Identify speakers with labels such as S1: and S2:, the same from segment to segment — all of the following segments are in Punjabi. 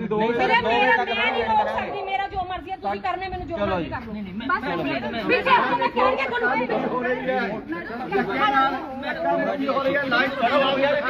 S1: ਮੇਰਾ ਜੋ ਮਰਜ਼ੀ ਹੈ ਤੁਸੀਂ ਕਰਨੇ ਮੈਨੂੰ ਜੋ ਮਰਜ਼ੀ ਕਰ ਲਓ ਬਸ ਪਿੱਛੇ ਹੋ ਮੈਂ ਕਹਿ ਕੇ ਤੁਹਾਨੂੰ ਹੋ ਰਹੀ ਹੈ ਲਾਈਵ ਕਰੋ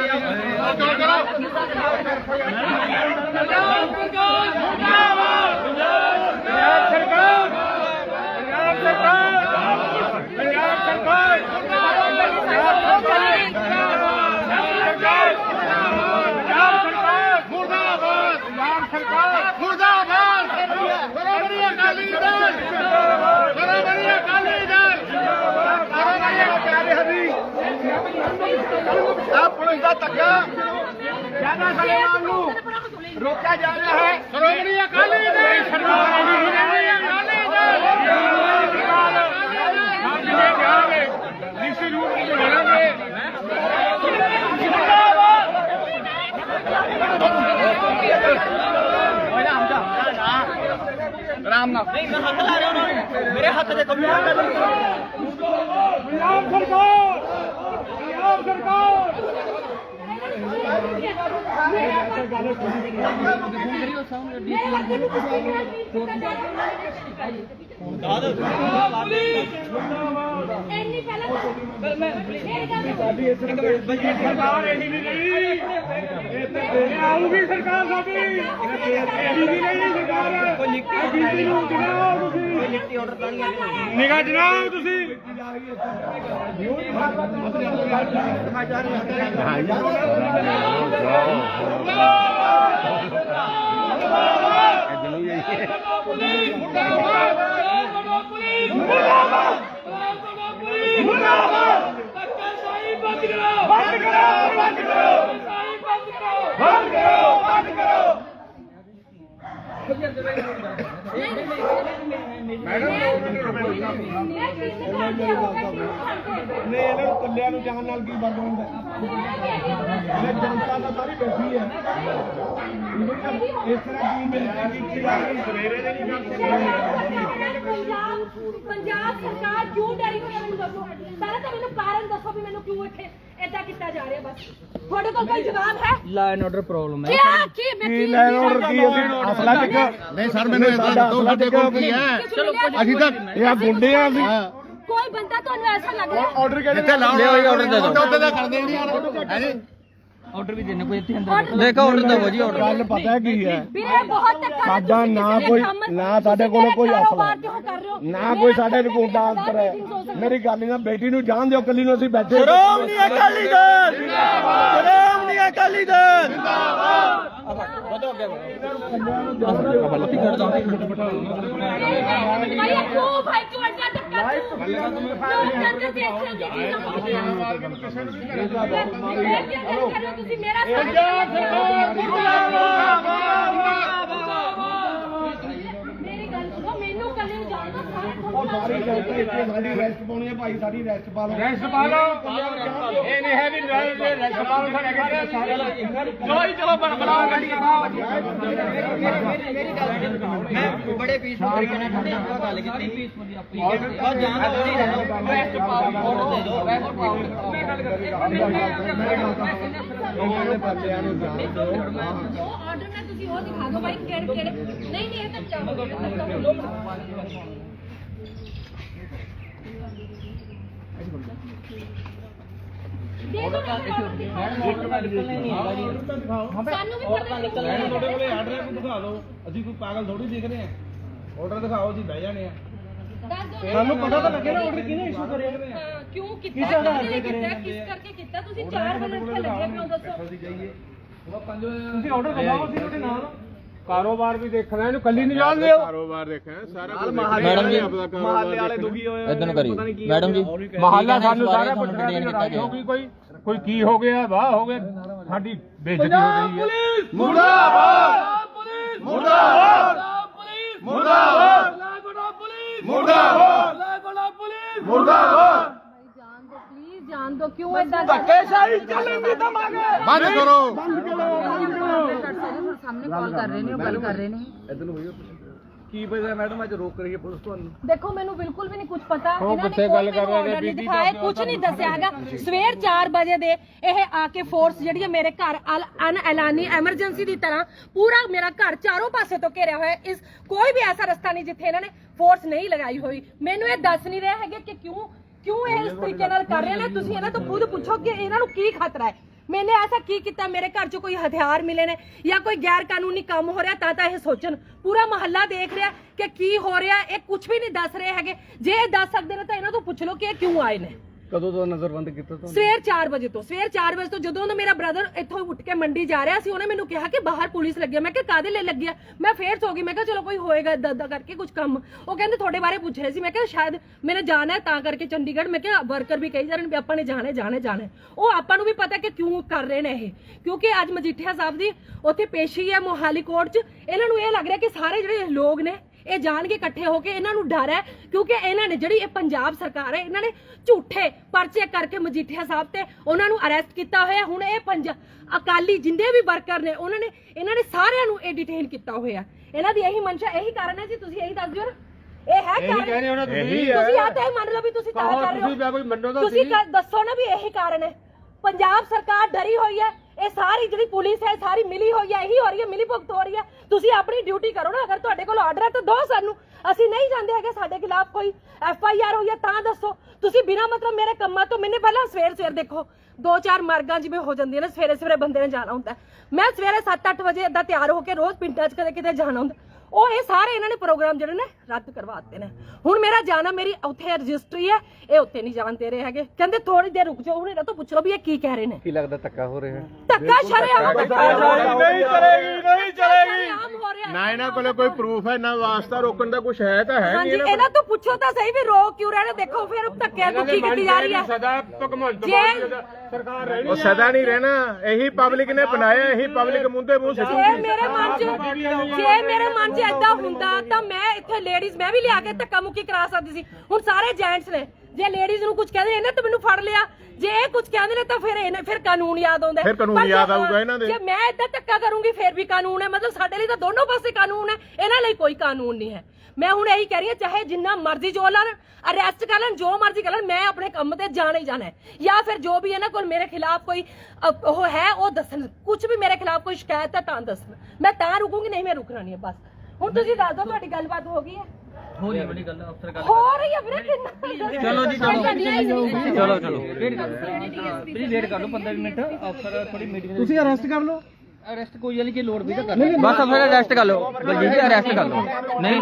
S1: पुलिस का धक्का ज्यादा सलेमान नूं रोका जा रहा है श्रोमणी अकाली दल राम नाम नहीं मैं हाथ ला रहा हूं मेरे हाथ से कंप्यूटर पंजाब सरकार आऊगी सरकार निगाह जनाओ ਤੁਸੀਂ ਕੱਲਿਆਂ ਨੂੰ ਜਾਣ ਨਾਲ ਕੀ ਬਣਦਾ ਹੁੰਦਾ ਜਨਤਾ ਤਾਂ ਸਾਰੀ ਬੈਠੀ ਹੈ ਇਸ ਤਰ੍ਹਾਂ ਕੀ ਮਿਲਦਾ ਕਿ ਸਵੇਰੇ ਦੇ ਨਹੀਂ ਪੰਜਾਬ ਸਰਕਾਰ ਕਿਉਂ ਡਰੀ ਹੋਈ ਹੈ ਮੈਨੂੰ ਦੱਸੋ ਪਹਿਲਾਂ ਤਾਂ ਮੈਨੂੰ ਕਾਰਨ ਦੱਸੋ ਵੀ ਮੈਨੂੰ ਕਿਉਂ ਇੱਥੇ ਏਦਾਂ ਕੀਤਾ ਜਾ ਰਿਹਾ ਬਸ ਤੁਹਾਡੇ ਕੋਲ ਕੋਈ ਜਵਾਬ ਹੈ ਲਾ ਐਂਡ ਆਰਡਰ ਪ੍ਰੋਬਲਮ ਹੈ ਕੀ ਲਾ ਐਂਡ ਆਰਡਰ ਕੀ ਅਸਲਾ ਟਿਕ ਨਹੀਂ ਸਰ ਮੈਨੂੰ ਇਦਾਂ ਦੱਸੋ ਸਾਡੇ ਕੋਲ ਕੀ ਹੈ ਅਸੀਂ ਤਾਂ ਇਹ ਗੁੰਡੇ ਆ ਅਸੀਂ ਕੋਈ ਬੰਦਾ ਤੁਹਾਨੂੰ ਐਸਾ ਲੱਗ ਰਿਹਾ ਆਰਡਰ ਕਿਹੜੇ ਜਿੱਥੇ ਲਾਉਣਾ ਆਰਡਰ ਦੇ ਦਿਓ ਉੱਥੇ ਤਾਂ ਕਰਦੇ ਨਹੀਂ ਹੈ ਜੀ ਆਰਡਰ ਵੀ ਦੇਣੇ ਕੋਈ ਇੱਥੇ ਅੰਦਰ ਦੇਖੋ ਆਰਡਰ ਦਿਓ ਜੀ ਆਰਡਰ ਗੱਲ ਪਤਾ ਕੀ ਹੈ ਸਾਡਾ ਨਾ ਕੋਈ ਨਾ ਸਾਡੇ ਕੋਲ ਕੋਈ ਅਸਲਾ ਨਾ ਕੋਈ ਸਾਡੇ ਰਿਪੋਰਟ ਦਾ ਅੰਤਰ ਹੈ ਮੇਰੀ ਗੱਲ ਨਾ ਬੇਟੀ ਨੂੰ ਜਾਣ ਦਿਓ ਕੱਲੀ ਨੂੰ ਅਸੀਂ ਬੈਠੇ ਸ਼੍ਰੋਮਣੀ ਅਕਾਲੀ ਦਲ ਜਿੰਦਾਬਾਦ ਸ਼੍ਰੋਮਣੀ ਅਕਾਲੀ ਦਲ ਜਿੰਦਾਬਾਦ ਵਧੋ ਅੱਗੇ ਗਲਤੀ ਕਰਦਾ ਭਾਈ ਕਿਉਂ ਭਾਈ ਕਿਉਂ ਅੱਡਾ ਧੱਕਾ ਤੁਸੀਂ ਮੇਰਾ ਮੇਰੀ ਗੱਲ ਸੁਣੋ ਮੈਨੂੰ ਕੱਲੇ ਨੂੰ ਜਾਣਦਾ ਸਾਰੀ ਸਾਡੀ ਰੈਸਟ ਪਾਉਣੀ ਹੈ ਭਾਈ ਸਾਡੀ ਰੈਸਟ ਪਾ ਲਓ ਰੈਸਟ ਪਾ ਲਓ ਇਹ ਨਹੀਂ ਹੈ ਵੀ ਰੈਸਟ ਪਾ ਲਓ ਚਲੋ ਬਣਾਓ ਗੱਡੀ ਮੈਂ ਬੜੇ ਪੀਸਫੁਲ ਤਰੀਕੇ ਨਾਲ ਤੁਹਾਡੇ ਨਾਲ ਗੱਲ ਕੀਤੀ ਬਸ ਜਾਣ ਦੋ ਨਹੀਂ ਰੈਸਟ ਪਾਓ ਆਰਡਰ ਦੇ ਦਿਓ ਰੈਸਟ ਪਾਓ ਮੈਂ ਗੱਲ ਕਰਦੀ ਬੰਦਿਆਂ ਨੂੰ ਜਾਣ ਦਿਓ ਆਰਡਰ ਨਾਲ ਤੁਸੀਂ ਉਹ ਦਿਖਾ ਦਿਓ ਭਾਈ ਕਿਹੜੇ ਨਹੀਂ ਇਹ ਤਾਂ ਚਾਹੋ ਸਾਨੂੰ ਵੀ ਪਤਾ ਨਿਕਲਣਾ ਤੁਹਾਡੇ ਕੋਲੇ ਆਰਡਰ ਹੈ ਕੋਈ ਦਿਖਾ ਦਿਓ ਅਸੀਂ ਕੋਈ ਪਾਗਲ ਥੋੜੀ ਦੇਖ ਰਹੇ ਆ ਆਰਡਰ ਦਿਖਾਓ ਜੀ ਬਹਿ ਜਾਣੇ ਆ ਸਾਨੂੰ ਪਤਾ ਤਾਂ ਲੱਗੇ ਨਾ ਆਰਡਰ ਕਿਹਨੇ ਇਸ਼ੂ ਕਰਿਆ ਕਿਉਂ ਕੀਤਾ ਕਿਸ ਕਰਕੇ ਕੀਤਾ ਤੁਸੀਂ 4 ਵਜੇ ਇੱਥੇ ਲੱਗੇ ਪਿਓ ਦੱਸੋ ਤੁਸੀਂ ਆਰਡਰ ਦਿਖਾਓ ਅਸੀਂ ਤੁਹਾਡੇ ਨਾਲ ਕਾਰੋਬਾਰ ਵੀ ਦੇਖਣਾ ਇਹਨੂੰ ਕੱਲੀ ਨਹੀਂ ਜਾਣ ਦਿਓ ਕਾਰੋਬਾਰ ਦੇਖਣਾ ਸਾਰਾ ਮੈਡਮ ਜੀ ਮਹੱਲੇ ਵਾਲੇ ਦੁਖੀ ਹੋਏ ਇਦਾਂ ਨੂੰ ਕਰੀ ਮੈਡਮ ਜੀ ਮਹੱਲਾ ਸਾਨੂੰ ਸਾਰਾ ਪੁੱਛਣਾ ਲੜਾਈ ਹੋ ਗਈ ਕੋਈ ਕੀ ਹੋ ਗਿਆ ਵਾਹ ਹੋ ਗਿਆ ਸਾਡੀ ਬੇਇੱਜ਼ਤੀ ਹੋ ਗਈ ਹੈ ਮੁਰਦਾਬਾਦ ਪੁਲਿਸ ਮੁਰਦਾਬਾਦ ਪੁਲਿਸ ਮੁਰਦਾਬਾਦ ਲਾਗੋੜਾ ਪੁਲਿਸ ਮੁਰਦਾਬਾਦ ਲਾਗੋੜਾ ਪੁਲਿਸ ਮੁਰਦਾਬਾਦ ਜਾਨ ਦੋ ਕਿਉਂ ਇਦਾਂ ਧੱਕੇਸ਼ਾਹੀ ਚੱਲੇਗੀ ਤਾਂ ਬੰਦ ਕਰੋ ਸਾਹਮਣੇ ਕਾਲ ਕਰ ਰਹੇ ਨੇ ਉਹ ਗੱਲ ਕਰ ਰਹੇ ਨੇ ਇਧਰ ਨੂੰ ਹੋਈਓ ਕੀ ਵਜ੍ਹਾ ਮੈਡਮ ਅੱਜ ਰੋਕ ਰਹੀ ਹੈ ਪੁਲਿਸ ਤੁਹਾਨੂੰ?
S2: ਦੇਖੋ ਮੈਨੂੰ ਬਿਲਕੁਲ ਵੀ ਨਹੀਂ ਕੁਝ ਪਤਾ, ਇਹਨਾਂ ਨੇ ਕੋਈ ਮੈਨੂੰ ਆਰਡਰ ਨਹੀਂ ਦਿਖਾਇਆ, ਕੁਝ ਨਹੀਂ ਦੱਸਿਆ ਹੈਗਾ। ਸਵੇਰ 4 ਵਜੇ ਦੇ ਇਹ ਆ ਕੇ ਫੋਰਸ ਜਿਹੜੀ ਹੈ ਮੇਰੇ ਘਰ ਅਨਐਲਾਨੀ ਐਮਰਜੈਂਸੀ ਦੀ ਤਰ੍ਹਾਂ ਪੂਰਾ ਮੇਰਾ ਘਰ ਚਾਰੋਂ ਪਾਸੇ ਤੋਂ ਘੇਰਿਆ ਹੋਇਆ। ਇਸ ਕੋਈ ਵੀ ਐਸਾ ਰਸਤਾ ਨਹੀਂ ਜਿੱਥੇ ਇਹਨਾਂ ਨੇ ਫੋਰਸ ਨਹੀਂ ਲਗਾਈ ਹੋਈ। ਮੈਨੂੰ ਇਹ ਦੱਸ ਨਹੀਂ ਰਹੇ ਹੈਗੇ ਕਿ ਕਿਉਂ ਇਹ ਇਸ ਤਰੀਕੇ ਨਾਲ ਕਰ ਰਹੇ ਨੇ। ਤੁਸੀਂ ਇਹਨਾਂ ਤੋਂ ਖੁਦ ਪੁੱਛੋ ਕਿ ਇਹਨਾਂ ਨੂੰ ਕੀ ਖਤਰਾ ਹੈ। मैंने ऐसा की किया, मेरे घर चो कोई हथियार मिले ने या कोई गैर कानूनी काम हो रहा ता यह सोचन। पूरा मोहल्ला देख रहा कि की हो रहा है, कुछ भी नहीं दस रहे है। जे दस सकते तो इन्हों तो पूछ लो कि क्यों आए ने। कदों तो नजरबंद किया? सवेर 4 वजे तो जो मेरा ब्रदर इत्थों उठ के मंडी जा रहा सी, उन्हें मैनू कहा कि बाहर पुलिस लगी है। मैं कहा कादे ले लगी है? मैं फिर सो गई। मैं कहा चलो कोई होएगा इदा करके कुछ काम। वो कहते थोड़े बारे पूछ रहे सी। मैं कहा शायद मैंने जाना है ता करके चंडीगढ़। मैं कहा वर्कर भी कही जा रहे आपां ने जाने वो आपां नूं भी पता कि क्यों कर रहे हैं, क्योंकि अज मजीठिया साहब दी उत्थे पेशी है मोहाली कोर्ट च। इन्हां नूं इह लग रहा कि सारे जिहड़े लोग ने ਇਹ ਜਾਣ ਕੇ ਇਕੱਠੇ ਹੋ ਕੇ ਇਹਨਾਂ ਨੂੰ ਡਰ ਹੈ, ਕਿਉਂਕਿ ਇਹਨਾਂ ਨੇ ਜਿਹੜੀ ਇਹ ਪੰਜਾਬ ਸਰਕਾਰ ਹੈ ਇਹਨਾਂ ਨੇ ਝੂਠੇ ਪਰਚੇ ਕਰਕੇ ਮਜੀਠੀਆ ਸਾਹਿਬ ਤੇ ਉਹਨਾਂ ਨੂੰ ਅਰੈਸਟ ਕੀਤਾ ਹੋਇਆ। ਹੁਣ ਇਹ ਅਕਾਲੀ ਜਿੰਦੇ ਵੀ ਵਰਕਰ ਨੇ ਇਹਨਾਂ ਨੇ ਸਾਰਿਆਂ ਨੂੰ ਇਹ ਡਿਟੇਨ ਕੀਤਾ ਹੋਇਆ। ਇਹਨਾਂ ਦੀ ਇਹੀ ਮਨਸ਼ਾ ਇਹੀ ਕਾਰਨ ਹੈ ਜੀ। ਤੁਸੀਂ ਇਹੀ ਦੱਸ ਦਿਓ ਨਾ, ਇਹ ਹੈ ਕਾਰਨ? ਤੁਸੀਂ ਆ ਤਾਂ ਮੰਨ ਲਓ ਵੀ ਤੁਸੀਂ ਤਾਂ ਕਰ ਰਹੇ ਹੋ। ਤੁਸੀਂ ਦੱਸੋ ਨਾ ਵੀ ਇਹੀ ਕਾਰਨ ਹੈ। ਪੰਜਾਬ ਸਰਕਾਰ ਡਰੀ ਹੋਈ ਹੈ, ਇਹ ਸਾਰੀ ਜਿਹੜੀ ਪੁਲਿਸ ਹੈ ਸਾਰੀ ਮਿਲੀ ਹੋਈ ਹੈ, ਇਹੀ ਹੋ ਰਹੀ ਹੈ, ਮਿਲੀ ਭੁਗਤ ਹੋ ਰਹੀ ਹੈ। ਤੁਸੀਂ ਆਪਣੀ ਡਿਊਟੀ ਕਰੋ ਨਾ। ਅਗਰ ਤੁਹਾਡੇ ਕੋਲ ਆਰਡਰ ਹੈ ਤਾਂ ਦੋ ਸਾਨੂੰ। ਅਸੀਂ ਨਹੀਂ ਜਾਂਦੇ ਹੈਗੇ, ਸਾਡੇ ਖਿਲਾਫ ਕੋਈ FIR ਹੋਈ ਹੈ ਤਾਂ ਦੱਸੋ। ਤੁਸੀਂ ਬਿਨਾਂ ਮਤਲਬ ਮੇਰੇ ਕੰਮਾਂ ਤੋਂ ਮੈਨੇ ਪਹਿਲਾਂ ਸਵੇਰ ਦੇਖੋ 2-4 ਮਾਰਗਾਂ ਜਿਵੇਂ ਹੋ ਜਾਂਦੀਆਂ ਨੇ, ਸਵੇਰੇ ਬੰਦੇ ਨੇ ਜਾਣਾ ਹੁੰਦਾ। ਮੈਂ ਸਵੇਰੇ 7-8 ਵਜੇ ਏਦਾਂ ਤਿਆਰ ਹੋ ਕੇ ਰੋਜ਼ ਪਿੰਡਾਂ 'ਚ ਕਦੇ ਕਿਤੇ ਜਾਣਾ ਹੁੰਦਾ। ਉਹ ਇਹ ਸਾਰੇ ਇਹਨਾਂ ਨੇ ਪ੍ਰੋਗਰਾਮ ਜਿਹੜੇ ਨੇ ਰੱਦ ਕਰਵਾ ਦਿੱਤੇ ਨੇ। ਹੁਣ ਮੇਰਾ ਜਾਣਾ, ਮੇਰੀ ਉੱਥੇ ਰਜਿਸਟਰੀ ਹੈ, ਇਹ ਉੱਥੇ ਨਹੀਂ ਜਾਣ ਦੇ ਰਹੇ ਹੈਗੇ। ਕਹਿੰਦੇ ਥੋੜੀ ਦੇਰ ਰੁਕ ਜਾਓ। ਹੁਣ ਇਹਨਾਂ ਤੋਂ ਪੁੱਛ ਲਓ ਵੀ ਇਹ ਕੀ ਕਹਿ ਰਹੇ ਨੇ। ਕੀ ਲੱਗਦਾ ਧੱਕਾ ਹੋ ਰਿਹਾ? ਧੱਕਾ ਸ਼ਰੇਆਮ ਨਹੀਂ ਚਲੇਗੀ।
S3: ਨਾ ਇਹਨਾਂ ਕੋਲੇ ਕੋਈ ਪ੍ਰੂਫ ਹੈ ਨਾ ਵਾਸਤਾ ਰੋਕਣ ਦਾ ਕੁਝ ਹੈ ਤਾਂ ਹੈ
S2: ਨਹੀਂ। ਇਹਨਾਂ ਤੋਂ ਪੁੱਛੋ ਤਾਂ ਸਹੀ ਵੀ ਰੋਕ ਕਿਉਂ ਰਹੇ ਨੇ। ਦੇਖੋ ਫਿਰ ਧੱਕਿਆਂ ਨੂੰ ਕੀ ਕੀਤੀ ਜਾ ਰਹੀ ਹੈ।
S3: ਸਦਾ ਭਗਵੰਤ ਮਾਨ ਸਰਕਾਰ ਰਹਿਣੀ, ਉਹ ਸਦਾ ਨਹੀਂ ਰਹਿਣਾ। ਇਹੀ ਪਬਲਿਕ ਨੇ ਬਣਾਇਆ, ਇਹੀ ਪਬਲਿਕ ਮੁੰਦੇ ਮੂੰਹ ਸਿੱਟੂਗੀ।
S2: ਜੇ ਮੇਰੇ ਮਨ 'ਚ ਏਦਾਂ ਹੁੰਦਾ ਤਾਂ ਮੈਂ ਇੱਥੇ ਲੇਡੀਜ਼ ਮੈਂ ਵੀ ਲਿਆ ਕੇ ਧੱਕਾ ਮੁੱਕੀ ਕਰਾ ਸਕਦੀ ਸੀ। ਹੁਣ ਸਾਰੇ ਜੈਂਟਸ ਨੇ, ਜੇ ਲੇਡੀਜ਼ ਨੂੰ ਕੁਝ ਕਹਿੰਦੇ ਇਹਨੇ ਤਾਂ ਮੈਨੂੰ ਫੜ ਲਿਆ, ਜੇ ਇਹ ਕੁਝ ਕਹਿੰਦੇ ਨੇ ਤਾਂ ਫਿਰ ਕਾਨੂੰਨ ਯਾਦ ਆਉਂਦਾ।
S3: ਫਿਰ ਕਾਨੂੰਨ ਯਾਦ ਆਊਗਾ ਇਹਨਾਂ ਦੇ।
S2: ਜੇ ਮੈਂ ਏਦਾਂ ਧੱਕਾ ਕਰੂੰਗੀ ਫਿਰ ਵੀ ਕਾਨੂੰਨ ਹੈ। ਮਤਲਬ ਸਾਡੇ ਲਈ ਤਾਂ ਦੋਨੋਂ ਪਾਸੇ ਕਾਨੂੰਨ ਹੈ, ਇਹਨਾਂ ਲਈ ਕੋਈ ਕਾਨੂੰਨ ਨਹੀਂ ਹੈ। ਮੈਂ ਹੁਣ ਇਹੀ ਕਹਿ ਰਹੀ ਹਾਂ, ਚਾਹੇ ਜਿੰਨਾ ਮਰਜ਼ੀ ਜੋ ਲੈਣ, ਅਰੈਸਟ ਕਰ ਲੈਣ, ਜੋ ਮਰਜ਼ੀ ਕਰ ਲੈਣ, ਮੈਂ ਆਪਣੇ ਕੰਮ ਤੇ ਜਾਣਾ ਹੀ ਜਾਣਾ ਹੈ। ਜਾਂ ਫਿਰ ਜੋ ਵੀ ਇਹਨਾਂ ਕੋਲ ਮੇਰੇ ਖਿਲਾਫ ਕੋਈ ਉਹ ਹੈ ਉਹ ਦੱਸਣ। ਕੁਝ ਵੀ ਮੇਰੇ ਖਿਲਾਫ ਕੋਈ ਸ਼ਿਕਾਇਤ ਹੈ ਤਾਂ ਦੱਸਣ, ਮੈਂ ਤਾਂ ਰੁਕੂੰਗੀ, ਨਹੀਂ ਮੈਂ ਰੁਕਣਾ ਨਹੀਂ ਹੈ ਬਸ। ਹੁਣ ਤੁਸੀਂ ਦੱਸ ਦਿਓ ਤੁਹਾਡੀ ਗੱਲਬਾਤ ਹੋ ਗਈ ਹੈ? ਹੋ ਰਹੀ ਹੈ ਬੜੀ ਗੱਲ, ਅਫਸਰ ਗੱਲ ਹੋ ਰਹੀ ਹੈ ਵੀਰੇ।
S1: ਚਲੋ ਜੀ ਚਲੋ ਪਲੀਜ਼ ਵੇਟ ਕਰ ਲਓ 15 ਮਿੰਟ। ਅਫਸਰ ਥੋੜੀ ਮੀਟਿੰਗ ਤੁਸੀਂ ਅਰੈਸਟ ਕਰ ਲਓ। ਅਰੈਸਟ ਕੋਈ ਵਾਲੀ ਕੀ ਲੋੜ ਵੀ ਤਾਂ ਕਰ ਬਸ ਅਫਸਰ ਅਰੈਸਟ ਕਰ ਲਓ। ਬਲਜੀਤ ਜੀ ਅਰੈਸਟ ਕਰ ਲਓ। ਨਹੀਂ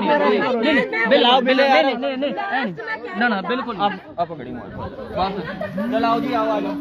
S1: ਨਾ ਬਿਲਕੁਲ ਆਪ ਗੜੀ ਮਾਰ ਬਸ। ਚਲਾਓ ਜੀ ਆਓ ਆ ਜਾਓ।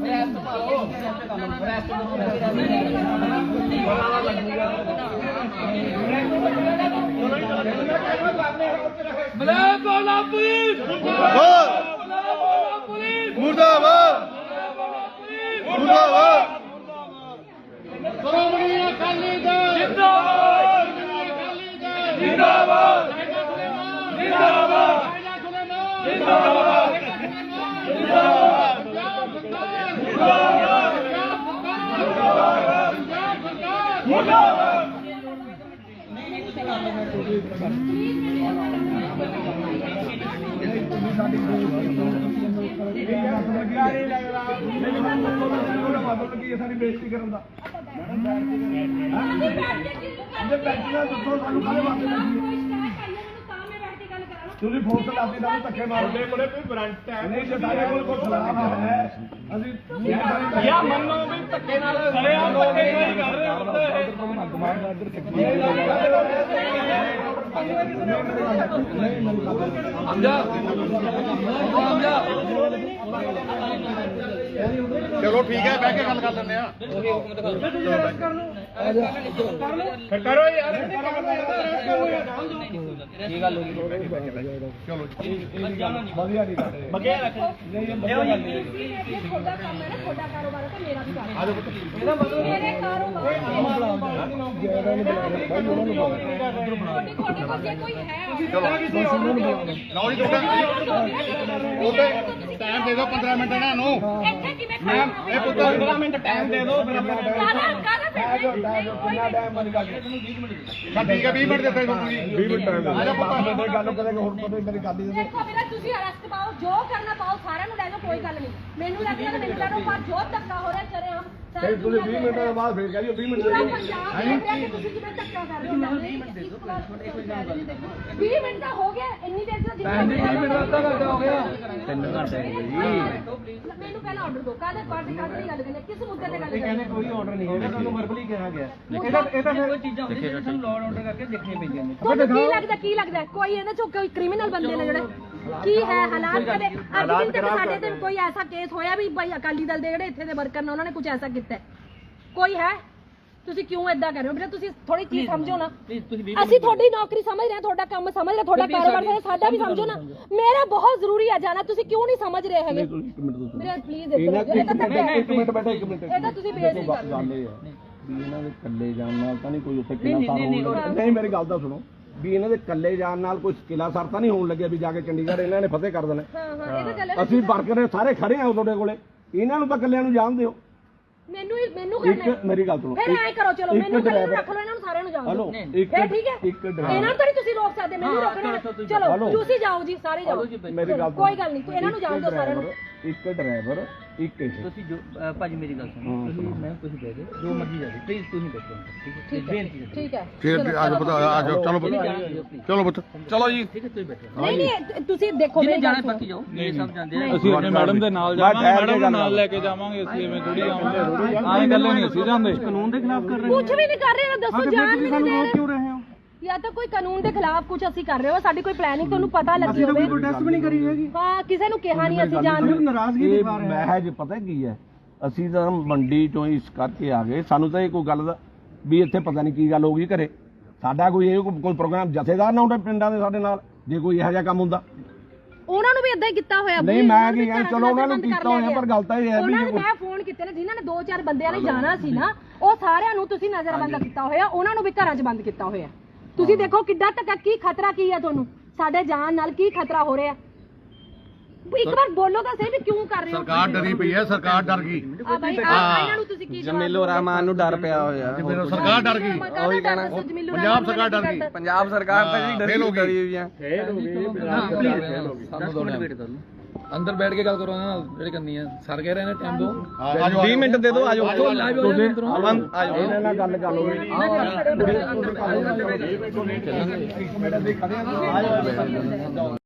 S3: ਮੁਰਦਾਬਾਦ ਮੁਰਦਾਬਾਦ। ਸ਼੍ਰੋਮਣੀ ਅਕਾਲੀ ਦਲ ਜਿੰਦਾਬਾਦ ਜਿੰਦਾਬਾਦ ਜਿੰਦਾਬਾਦ ਜਿੰਦਾਬਾਦ ਜਿੰਦਾਬਾਦ ਸਾਡੀ ਬੇਇੱਜ਼ਤੀ ਕਰਨ ਦਾ ਤੁਸੀਂ ਫੋਨ ਤੇ ਲਾਦੀ ਦਾ ਧੱਕੇ ਮਾਰਦੇ ਕੋਲੇ ਕੋਈ ਵਾਰੰਟ ਹੈ ਨਹੀਂ, ਜੇ ਸਾਡੇ ਕੋਲ ਕੋਈ ਖਿਲਾਫ ਹੈ ਅਸੀਂ ਯਾ ਮੰਨੋ ਵੀ ਧੱਕੇ ਨਾਲ ਸੜਿਆ ਧੱਕੇ ਨਹੀਂ ਕਰ ਰਹੇ ਚਲੋ ਠੀਕ ਹੈ, ਬਹਿ ਕੇ ਗੱਲ ਕਰ ਲੈਂਦੇ ਆ। ਕਰੋ ਯਾਰ
S1: ਕੀ ਗੱਲ ਹੋ ਗਈ?
S3: ਚਲੋ
S1: ਵਧੀਆ ਨਹੀਂ ਕਰਦੇ ਬਗਿਆ ਰੱਖ ਇਹੋ ਜੀ
S2: ਤੁਹਾਡਾ ਕੰਮ ਹੈ ਨਾ, ਤੁਹਾਡਾ ਕਾਰੋਬਾਰ ਹੈ ਤਾਂ ਮੇਰਾ ਵੀ ਕਾਰੋਬਾਰ ਹੈ। ਇਹਦਾ ਮਤਲਬ ਮੇਰੇ ਕਾਰੋਬਾਰ ਤੁਹਾਡੇ ਕੋਲ ਜੇ ਕੋਈ ਹੈ
S3: ਲਓ ਜੀ ਟਾਈਮ ਦੇ ਦਿਓ 15 ਮਿੰਟ ਇਹਨਾਂ ਨੂੰ।
S2: ਇੱਥੇ ਕਿਵੇਂ
S3: ਮੈਮ ਇਹ 15 ਮਿੰਟ ਟਾਈਮ ਦੇ ਦਿਓ।
S2: ਕਾਹਦਾ
S3: ਕਿੰਨਾ ਟਾਈਮ ਮੇਰੀ ਗੱਲ ਠੀਕ ਹੈ 20 ਮਿੰਟ ਦਿੱਤੇ ਤੁਸੀਂ 20 ਮਿੰਟ ਟਾਈਮ ਆ ਜਾ ਪਤਾ ਮੇਰੇ ਗੱਲ ਕਰਾਂਗੇ ਹੁਣ ਪਤਾ ਮੇਰੀ ਗੱਲ ਹੀ
S2: ਦੇਖੋ ਵੀਰੇ ਤੁਸੀਂ ਅਰੈਸਟ ਪਾਓ ਜੋ ਕਰਨਾ ਪਾਓ ਸਾਰਿਆਂ ਨੂੰ ਲੈ ਜਾਓ ਕੋਈ ਗੱਲ ਨਹੀਂ ਮੈਨੂੰ ਲੱਗਦਾ ਮੈਨੂੰ ਲੈ ਜਾਓ ਪਰ ਜੋ ਧੱਕਾ ਹੋ ਰਿਹਾ ਚਰੇ ਹਮ
S3: ਫਿਰ ਤੁਸੀਂ 20 ਮਿੰਟਾਂ ਬਾਅਦ ਫਿਰ ਕਹਿ ਦਿਓ 20 ਮਿੰਟ
S2: ਪੂਰਾ ਪੰਜਾਬ ਤੁਸੀਂ ਜਿਵੇਂ ਧੱਕਾ ਕਰ ਰਹੇ ਹੋ 20 ਮਿੰਟ ਦੇ ਦਿਓ 20 ਮਿੰਟ ਦਾ ਹੋ ਗਿਆ ਇੰਨੀ ਦੇਰ ਦਾ ਜਿੰਨਾ 20 ਮਿੰਟ ਦਾ ਅੱਧਾ ਘੰਟਾ ਹੋ ਗਿਆ 3 ਘੰਟੇ ਹੋ ਗਏ ਜੀ ਮੈਨੂੰ ਪਹਿਲਾਂ ਆਰਡਰ ਦਿਓ ਕਾਹਦੇ ਪਾਰਟੀ ਕਾਹਦੇ ਦੀ ਗੱਲ ਕਰਨੀ ਕਿਸ ਮੁੱਦੇ ਤੇ ਗੱਲ ਕਰਨੀ
S1: ਕਹਿੰਦੇ ਕੋਈ ਆਰਡਰ ਨਹੀਂ ਹੈਗਾ ਤੁਹਾਨੂੰ ਵਰਬਲੀ ਕਿਹਾ ਗਿਆ ਇਹ ਤਾਂ ਕੋਈ ਚੀਜ਼ਾਂ ਹੁੰਦੀਆਂ ਜਿਹੜੀਆਂ ਸਾਨੂੰ ਲੋਡ ਆਰਡਰ ਕਰਕੇ ਦੇਖਣੀਆਂ ਪੈਂਦੀਆਂ ਨੇ
S2: ਤੁਹਾਨੂੰ ਕੀ ਲੱਗਦਾ ਕੋਈ ਇਹਨਾਂ ਚੋਂ ਕੋਈ ਕ੍ਰਿਮੀਨਲ ਬੰਦੇ ਨੇ ਜਿਹੜੇ ਕੀ ਹੈ ਹਾਲਾਤ ਕਦੇ ਅੱਜ ਦਿਨ ਤੱਕ ਸਾਡੇ ਤੇ ਕੋਈ ਐਸਾ ਕੇਸ ਹੋਇਆ ਵੀ ਭਾਈ ਅਕਾਲੀ ਦਲ ਦੇ ਜਿਹੜੇ ਇੱਥੇ ਦੇ ਵਰਕਰ ਨੇ ਉਹਨਾਂ ਨੇ ਕੁਝ ਐਸਾ ਕੀਤਾ ਕੋਈ ਹੈ ਤੁਸੀਂ ਕਿਉਂ ਏਦਾਂ ਕਰ ਰਹੇ ਹੋ ਵੀਰੇ ਤੁਸੀਂ ਥੋੜੀ ਚੀਜ਼ ਸਮਝੋ ਨਾ ਅਸੀਂ ਤੁਹਾਡੀ ਨੌਕਰੀ ਸਮਝ ਰਹੇ ਹਾਂ ਤੁਹਾਡਾ ਕੰਮ ਸਮਝ ਰਹੇ ਤੁਹਾਡਾ ਕਾਰੋਬਾਰ ਸਮਝ ਸਾਡਾ ਵੀ ਸਮਝੋ ਨਾ ਮੇਰਾ ਬਹੁਤ ਜ਼ਰੂਰੀ ਹੈ ਜਾਣਾ ਤੁਸੀਂ ਕਿਉਂ ਨਹੀਂ ਸਮਝ ਰਹੇ ਹੈਗੇ ਵੀਰੇ ਪਲੀਜ਼
S3: ਇੱਕ ਮਿੰਟ ਬੈਠੋ ਇੱਕ ਮਿੰਟ
S2: ਇਹ ਤਾਂ ਤੁਸੀਂ ਬੇਇੱਜ਼ਤੀ ਕਰ ਰਹੇ ਹੋ
S3: ਗੱਲ ਇਹ ਹੈ ਵੀ ਇਹਨਾਂ ਦੇ ਇਕੱਲੇ ਜਾਣ ਨਾਲ ਤਾਂ ਨਹੀਂ ਕੋਈ ਉੱਥੇ ਕਿਲਾ ਸਾਰ ਹੋਣ ਨਹੀਂ ਮੇਰੀ ਗੱਲ ਤਾਂ ਸੁਣੋ ਵੀ ਇਹਨਾਂ ਦੇ ਇਕੱਲੇ ਜਾਣ ਨਾਲ ਕੋਈ ਕਿਲਾ ਸਾਰ ਤਾਂ ਨਹੀਂ ਹੋਣ ਲੱਗਿਆ ਵੀ ਜਾ ਕੇ ਚੰਡੀਗੜ੍ਹ ਇਹਨਾਂ ਨੇ ਫਤਿਹ ਕਰ ਦੇਣਾ
S2: ਹਾਂ ਇਹ ਤਾਂ ਗੱਲ ਹੈ
S3: ਅਸੀਂ ਵਰਕਰ ਸਾਰੇ ਖੜੇ ਆ ਤੁਹਾਡੇ ਕੋਲੇ ਇਹਨਾਂ ਨੂੰ ਤਾਂ ਇਕੱਲਿਆਂ ਨੂੰ ਜਾਣ ਦਿਓ
S2: ਮੈਨੂੰ ਕਰਨਾ
S3: ਇੱਕ ਮੇਰੀ ਗੱਲ ਸੁਣੋ
S2: ਫਿਰ ਐ ਕਰੋ ਚਲੋ ਮੈਨੂੰ ਰੱਖ ਲਓ ਇਹਨਾਂ ਨੂੰ ਸਾਰਿਆਂ ਨੂੰ ਜਾਣ ਦਿਓ
S3: ਇੱਕ
S2: ਫਿਰ ਠੀਕ ਹੈ
S3: ਇੱਕ ਡਰਾਈਵਰ
S2: ਇਹਨਾਂ ਨੂੰ ਤਾਂ ਨਹੀਂ ਤੁਸੀਂ ਰੋਕ ਸਕਦੇ ਮੈਨੂੰ ਰੋਕਣਾ ਚਲੋ ਤੁਸੀਂ ਜਾਓ ਜੀ ਸਾਰੇ ਜਾਓ
S3: ਮੇਰੀ ਗੱਲ
S2: ਕੋਈ ਗੱਲ ਨਹੀਂ ਤੂੰ ਇਹਨਾਂ ਨੂੰ ਜਾਣ ਦਿਓ ਸਾਰਿਆਂ ਨੂੰ
S3: ਇੱਕ ਡਰਾਈਵਰ ਇੱਕ ਇਹ
S4: ਤੁਸੀਂ ਜੋ ਭਾਜੀ ਮੇਰੀ ਗੱਲ ਸੁਣੋ ਤੁਸੀਂ ਮੈਂ ਕੁਝ ਦੇ ਦੇ ਜੋ ਮਰਜ਼ੀ ਜਾ ਦੇ ਪਲੀਜ਼ ਤੁਸੀਂ ਬੈਠੋ ਠੀਕ ਹੈ ਬੇਨਤੀ ਹੈ
S2: ਠੀਕ ਹੈ
S3: ਫਿਰ ਅੱਜ ਪਤਾ ਅੱਜ ਚਲੋ ਚਲੋ ਬੱਤ ਚਲੋ ਜੀ
S4: ਠੀਕ ਹੈ ਤੁਸੀਂ ਬੈਠੋ
S2: ਨਹੀਂ ਤੁਸੀਂ ਦੇਖੋ
S4: ਜਿੰਨੇ ਜਾਣਾ ਬਾਕੀ ਜਾਓ ਇਹ ਸਭ ਜਾਂਦੇ ਆ
S1: ਅਸੀਂ ਆਪਣੇ ਮੈਡਮ ਦੇ ਨਾਲ ਜਾਵਾਂਗੇ ਮੈਡਮ ਨੂੰ ਨਾਲ ਲੈ ਕੇ ਜਾਵਾਂਗੇ ਅਸੀਂ ਐਵੇਂ ਥੋੜੀ ਆਵਾਂਗੇ ਆਏ ਗੱਲੇ ਨਹੀਂ ਅਸੀਂ ਜਾਂਦੇ ਕਾਨੂੰਨ ਦੇ ਖਿਲਾਫ ਕਰ
S2: ਕੁਝ ਵੀ ਨਹੀਂ ਕਰ ਰਹੇ ਦੱਸੋ ਜਾਣ ਵੀ ਨਹੀਂ ਦੇ ਰਹੇ
S1: ਕਿਉਂ ਰਹੇ ਹੋ
S2: ਜਾਂ ਤਾਂ ਕੋਈ ਕਾਨੂੰਨ ਦੇ ਖਿਲਾਫ ਕੁਝ ਅਸੀਂ ਕਰ ਰਹੇ ਹੋ ਸਾਡੀ ਕੋਈ ਪਲੈਨਿੰਗ ਤੁਹਾਨੂੰ ਪਤਾ ਲੱਗੀ ਹੋਵੇ
S1: ਕੋਈ ਪ੍ਰੋਟੈਸਟ ਵੀ ਨਹੀਂ ਕਰੀ ਹੈਗੀ
S2: ਹਾਂ ਕਿਸੇ ਨੂੰ ਕਿਹਾ ਨਹੀਂ ਅਸੀਂ ਜਾਣ ਨੂੰ
S1: ਨਾਰਾਜ਼ਗੀ ਦਿਖਾ ਰਹੇ
S3: ਮੈਂ ਜੇ ਪਤਾ ਕੀ ਹੈ ਅਸੀਂ ਤਾਂ ਮੰਡੀ ਚੋਂ ਇਸ ਕਰਕੇ ਆ ਗਏ ਸਾਨੂੰ ਤਾਂ ਇਹ ਕੋਈ ਗੱਲ ਦਾ ਵੀ ਇੱਥੇ ਪਤਾ ਨਹੀਂ ਕੀ ਗੱਲ ਹੋ ਗਈ ਘਰੇ ਸਾਡਾ ਕੋਈ ਇਹ ਕੋਈ ਪ੍ਰੋਗਰਾਮ ਜਥੇਦਾਰ ਨਾ ਹੁੰਦਾ ਪਿੰਡਾਂ ਦੇ ਸਾਡੇ ਨਾਲ ਜੇ ਕੋਈ ਇਹੋ ਜਿਹਾ ਕੰਮ ਹੁੰਦਾ
S2: ਉਹਨਾਂ ਨੂੰ ਵੀ ਇਦਾਂ ਹੀ ਕੀਤਾ ਹੋਇਆ
S3: ਨਹੀਂ ਮੈਂ ਕੀ ਕਹਿੰਦਾ ਚਲੋ ਉਹਨਾਂ ਨੂੰ ਕੀਤਾ ਹੋਇਆ ਪਰ ਗੱਲ ਤਾਂ ਇਹ ਹੈ ਵੀ
S2: ਉਹਨਾਂ ਨੂੰ ਮੈਂ ਫੋਨ ਕੀਤੇ ਨੇ ਜਿਨ੍ਹਾਂ ਨੇ 2-4 ਬੰਦਿਆਂ ਨੇ ਜਾਣਾ ਸੀ ਨਾ ਉਹ ਸਾਰਿਆਂ ਨੂੰ ਤੁਸੀਂ ਨਜ਼ਰਬੰਦ ਕੀਤਾ ਹੋਇਆ ਉਹਨਾਂ ਨੂੰ ਵੀ ਘਰਾਂ 'ਚ ਬੰਦ ਕੀਤਾ ਹੋਇਆ ਤੁਸੀਂ ਦੇਖੋ ਕਿੱਡਾ ਧੱਕਾ ਕੀ ਖਤਰਾ ਕੀ ਹੈ ਤੁਹਾਨੂੰ ਸਾਡੇ ਜਾਨ ਨਾਲ ਕੀ ਖਤਰਾ ਹੋ ਰਿਹਾ ਇੱਕ ਵਾਰ ਬੋਲੋ ਤਾਂ ਸਹੀ ਵੀ ਕਿਉਂ ਕਰ ਰਹੇ ਹੋ
S3: ਸਰਕਾਰ ਡਰੀ ਪਈ ਹੈ ਸਰਕਾਰ ਡਰ ਗਈ
S2: ਆ ਭਾਈ ਇਹਨਾਂ ਨੂੰ ਤੁਸੀਂ ਕੀ
S1: ਜਮੀਲੋ ਰਹਿਮਾਨ ਨੂੰ ਡਰ ਪਿਆ ਹੋਇਆ
S3: ਸਰਕਾਰ ਡਰ ਗਈ
S2: ਉਹੀ ਕਹਿਣਾ
S3: ਪੰਜਾਬ ਸਰਕਾਰ ਡਰ ਗਈ
S1: ਪੰਜਾਬ ਸਰਕਾਰ ਤਾਂ ਜਿਹੜੀ ਡਰੀ ਹੋਈ ਆ ਅੰਦਰ ਬੈਠ ਕੇ ਗੱਲ ਕਰੋ ਉਹਨਾਂ ਨਾਲ ਜਿਹੜੀ ਕਰਨੀ ਹੈ ਸਰ ਕਹਿ ਰਹੇ ਨੇ ਟਾਈਮ ਦੋ 20 ਮਿੰਟ ਦੇ ਦਿਓ ਆਜੋ ਆਜੋ
S3: ਇਹਨਾਂ ਨਾਲ ਗੱਲ ਕਰ ਲਓ
S1: ਚੱਲਾਂਗੇ